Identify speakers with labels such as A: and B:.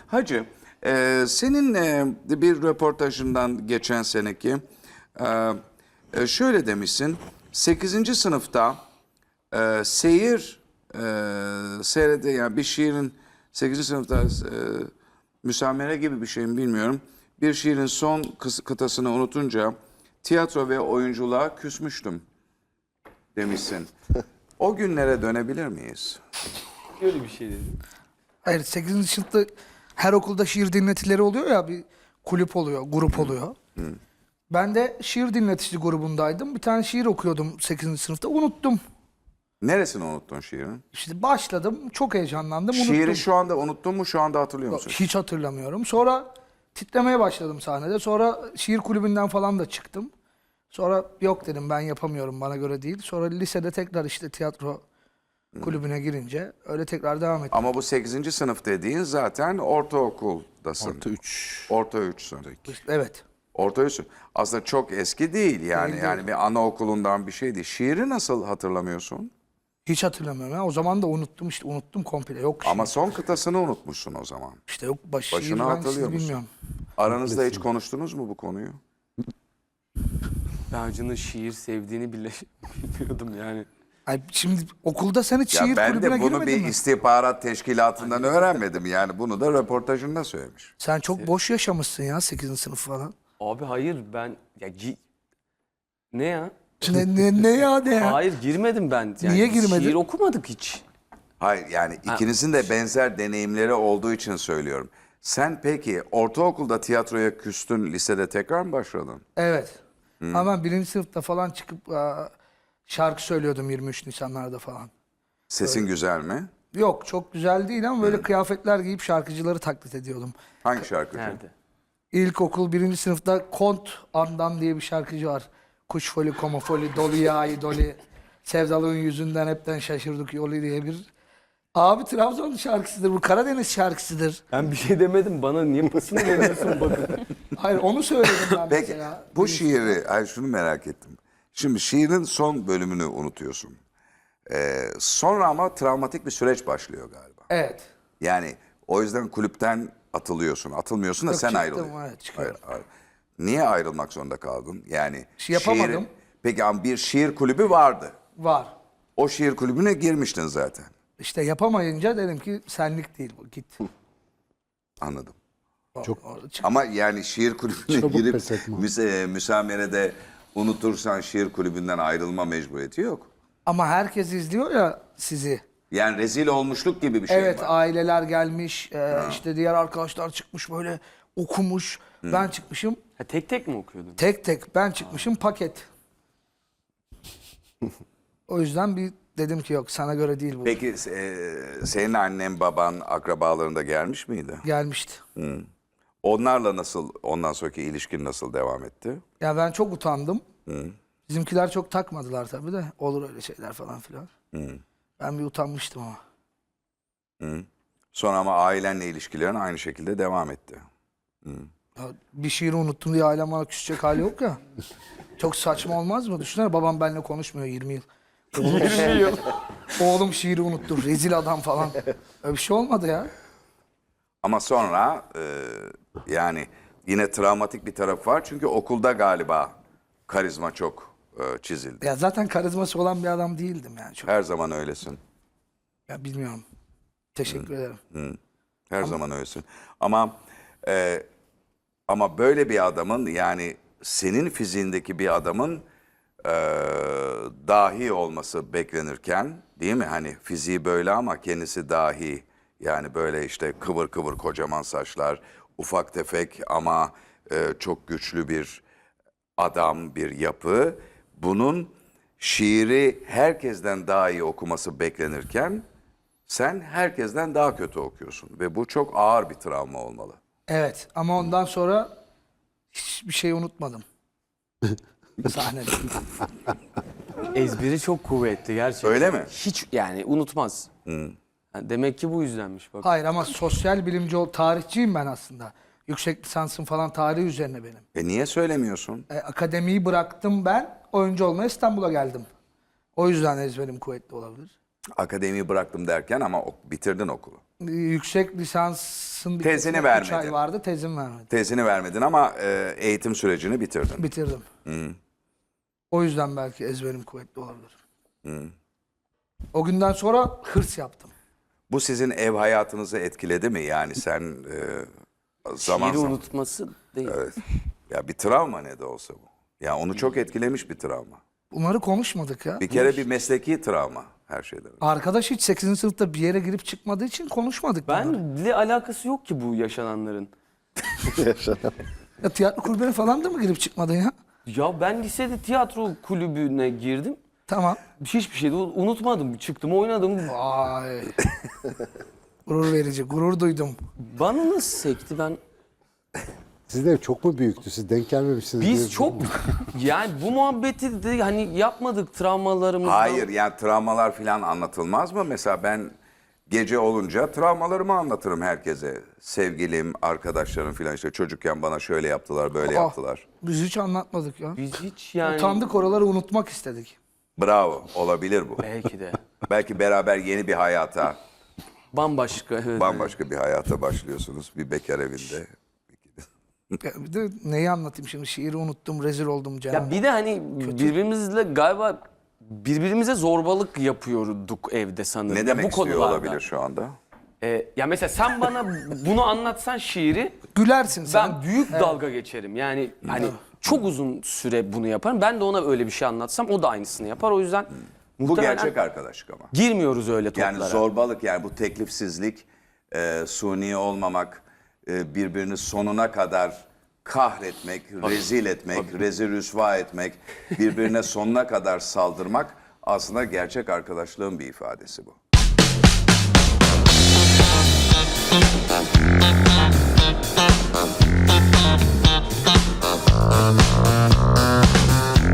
A: Hacı, senin bir röportajından geçen seneki şöyle demişsin. 8. sınıfta seyir yani bir şiirin 8. sınıfta müsamere gibi bir şey mi bilmiyorum. Bir şiirin son kıtasını unutunca tiyatro ve oyunculuğa küsmüştüm demişsin. O günlere dönebilir miyiz?
B: Öyle bir şey dedim.
C: Hayır, 8. sınıfta her okulda şiir dinletileri oluyor ya, bir kulüp oluyor, grup oluyor. Ben de şiir dinletici grubundaydım. Bir tane şiir okuyordum 8. sınıfta. Unuttum.
A: Neresini unuttun şiirin?
C: İşte başladım. Çok heyecanlandım. Unuttum.
A: Şiiri şu anda unuttun mu? Şu anda hatırlıyor
C: Yok,
A: musun?
C: hiç hatırlamıyorum. Sonra titremeye başladım sahnede. Sonra şiir kulübünden falan da çıktım. Sonra yok dedim, ben yapamıyorum, bana göre değil. Sonra lisede tekrar işte tiyatro kulübüne girince öyle tekrar devam ettim.
A: Ama bu 8. sınıf dediğin zaten ortaokuldasın.
D: Orta 3.
A: Orta 3'sün.
C: Evet.
A: Orta 3'sün. Aslında çok eski değil yani.
C: Değil,
A: Yani bir anaokulundan bir şey değil. Şiiri nasıl hatırlamıyorsun?
C: Hiç hatırlamıyorum. Ya. O zaman da unuttum, işte unuttum komple. Yok
A: Ama
C: şiir.
A: son kıtasını unutmuşsun o zaman.
C: İşte yok şiir
A: Başını
C: hangisini
A: hatırlıyor musun?
C: bilmiyorum.
A: Aranızda hiç konuştunuz mu bu konuyu?
B: Ben Hacı'nın şiir sevdiğini bile bilmiyordum yani.
C: Ay, şimdi okulda sen hiç
A: Ya
C: şiir
A: ben
C: kulübüne
A: de bunu
C: girmedin
A: bir
C: mi?
A: istihbarat teşkilatından öğrenmedim. Yani bunu da röportajında söylemiş.
C: Sen çok boş yaşamışsın ya 8. sınıf falan.
B: Abi hayır ben ya ne ya?
C: Ne ya?
B: Hayır girmedim ben. Yani
C: Niye
B: biz
C: girmedin?
B: Şiir okumadık hiç.
A: Hayır yani ikinizin de benzer deneyimleri olduğu için söylüyorum. Sen peki ortaokulda tiyatroya küstün, lisede tekrar mı başladın?
C: Evet. Ama ben 1. sınıfta falan çıkıp şarkı söylüyordum 23 Nisanlarda falan.
A: Sesin güzel mi?
C: Yok, çok güzel değil ama böyle kıyafetler giyip şarkıcıları taklit ediyordum.
A: Hangi şarkıcı?
B: Nerede?
C: İlkokul 1. sınıfta Kont Andan diye bir şarkıcı var. Kuş foli, koma foli, dolu yağı doli. Sevdalığın yüzünden hepten şaşırdık yolu diye bir... Abi Trabzon şarkısıdır bu, Karadeniz şarkısıdır.
B: Ben bir şey demedim. Bana niye pasını veriyorsun bakın.
C: Hayır, onu söyledim ben
A: Peki
C: mesela.
A: bu şiiri, hayır şunu merak ettim. Şimdi şiirin son bölümünü unutuyorsun. Sonra ama travmatik bir süreç başlıyor galiba.
C: Evet.
A: Yani o yüzden kulüpten atılıyorsun. Atılmıyorsun da
C: Yok,
A: sen
C: çıktım,
A: ayrılıyorsun.
C: evet, çıkıyorum.
A: Hayır. Niye ayrılmak zorunda kaldın? Yani
C: Yapamadım.
A: Peki ama bir şiir kulübü vardı.
C: Var.
A: O şiir kulübüne girmiştin zaten.
C: İşte yapamayınca dedim ki senlik değil bu, git.
A: Anladım.
C: Orada çık-
A: Ama yani şiir kulübüne
D: Çabuk
A: girip
D: pes etme.
A: müsamerede unutursan şiir kulübünden ayrılma mecburiyeti yok.
C: Ama herkes izliyor ya sizi.
A: Yani rezil olmuşluk gibi bir şey
C: Evet,
A: var.
C: aileler gelmiş, işte diğer arkadaşlar çıkmış böyle okumuş. Ben çıkmışım
B: Ha, tek tek mi okuyordun?
C: tek tek, ben çıkmışım paket. O yüzden bir dedim ki yok, sana göre değil bu.
A: Peki senin annen, baban, akrabaların da gelmiş miydi?
C: Gelmişti.
A: Onlarla nasıl, ondan sonraki ilişkin nasıl devam etti?
C: Ya ben çok utandım. Bizimkiler çok takmadılar tabii de. Olur öyle şeyler falan filan. Ben bir utanmıştım ama.
A: Sonra ama ailenle ilişkilerin aynı şekilde devam etti.
C: Ya bir şiiri unuttum diye ailem bana küsecek hali yok ya. Çok saçma olmaz mı? Düşünsene, babam benimle konuşmuyor 20 yıl. Oğlum şiiri unuttu. Rezil adam falan. Öyle bir şey olmadı ya.
A: Ama sonra yani yine travmatik bir taraf var. Çünkü okulda galiba karizma çok çizildi.
C: Ya zaten karizması olan bir adam değildim yani. Çok.
A: Her zaman öylesin.
C: Ya bilmiyorum. Teşekkür ederim.
A: Her zaman öylesin. Ama böyle bir adamın, yani senin fiziğindeki bir adamın dahi olması beklenirken, değil mi? Hani fiziği böyle ama kendisi dahi. Yani böyle işte kıvır kıvır kocaman saçlar, ufak tefek ama çok güçlü bir adam, bir yapı. Bunun şiiri herkesten daha iyi okuması beklenirken sen herkesten daha kötü okuyorsun ve bu çok ağır bir travma olmalı.
C: Evet, ama ondan sonra hiçbir şey unutmadım. Sahnede.
B: Ezberi çok kuvvetli gerçekten.
A: Öyle mi?
B: Hiç yani unutmaz. Yani demek ki bu yüzdenmiş bak.
C: Hayır, ama sosyal bilimci tarihçiyim ben aslında. Yüksek lisansım falan tarih üzerine benim.
A: Niye söylemiyorsun?
C: Akademiyi bıraktım ben. Oyuncu olmaya İstanbul'a geldim. O yüzden ezberim kuvvetli olabilir.
A: Akademiyi bıraktım derken ama bitirdin okulu.
C: yüksek lisansın
A: Tezini
C: bitmesine 3
A: vermedin.
C: ay vardı. Tezim vermedim.
A: Tezini vermedin ama eğitim sürecini bitirdin.
C: Bitirdim. O yüzden belki ezberim kuvvetli olabilir. O günden sonra hırs yaptım.
A: Bu sizin ev hayatınızı etkiledi mi? Yani sen zaman
B: Şiiri
A: zaman...
B: unutması değil.
A: Evet. Ya bir travma ne de olsa bu. Ya onu çok etkilemiş bir travma.
C: Bunları konuşmadık ya.
A: Bir kere bir mesleki travma her şeyden önce.
C: Arkadaş hiç 8. sınıfta bir yere girip çıkmadığı için konuşmadık bunları.
B: Benle alakası yok ki bu yaşananların.
C: Ya tiyatro kulübüne falan da mı girip çıkmadın ya?
B: Ya ben lisede tiyatro kulübüne girdim.
C: Tamam.
B: Hiçbir şey de unutmadım. Çıktım oynadım.
C: Vay. Gurur verici. Gurur duydum.
B: Bana nasıl sekti ben?
D: Sizin ev çok mu büyüktü? Siz denk gelmemişsiniz. diye-
B: Biz çok yani bu muhabbeti de hani yapmadık travmalarımızdan.
A: Hayır yani travmalar falan anlatılmaz mı? Mesela ben gece olunca travmalarımı anlatırım herkese. Sevgilim, arkadaşlarım falan işte çocukken bana şöyle yaptılar, böyle yaptılar.
C: Biz hiç anlatmadık ya.
B: Biz hiç yani...
C: Utandık, oraları unutmak istedik.
A: Bravo, olabilir bu.
B: Belki de.
A: Belki beraber yeni bir hayata,
B: Bambaşka. Evet,
A: bambaşka bir hayata başlıyorsunuz. Bir bekar evinde.
C: Ya bir de neyi anlatayım şimdi? Şiiri unuttum, rezil oldum canım.
B: Ya bir de hani birbirimizle galiba birbirimize zorbalık yapıyorduk evde sanırım.
A: Ne
B: Ya
A: demek
B: bu
A: istiyor
B: konularda.
A: olabilir şu anda?
B: Ya mesela sen bana bunu anlatsan şiiri
C: Gülersin sen.
B: ben büyük dalga geçerim. Yani hani çok uzun süre bunu yaparım. Ben de ona öyle bir şey anlatsam o da aynısını yapar. O yüzden
A: Bu
B: muhtemelen
A: gerçek arkadaşlık ama.
B: girmiyoruz öyle toplara.
A: Yani zorbalık yani bu teklifsizlik, suni olmamak, birbirini sonuna kadar kahretmek, rezil etmek, rezil rüsva etmek, birbirine sonuna kadar saldırmak aslında gerçek arkadaşlığın bir ifadesi bu.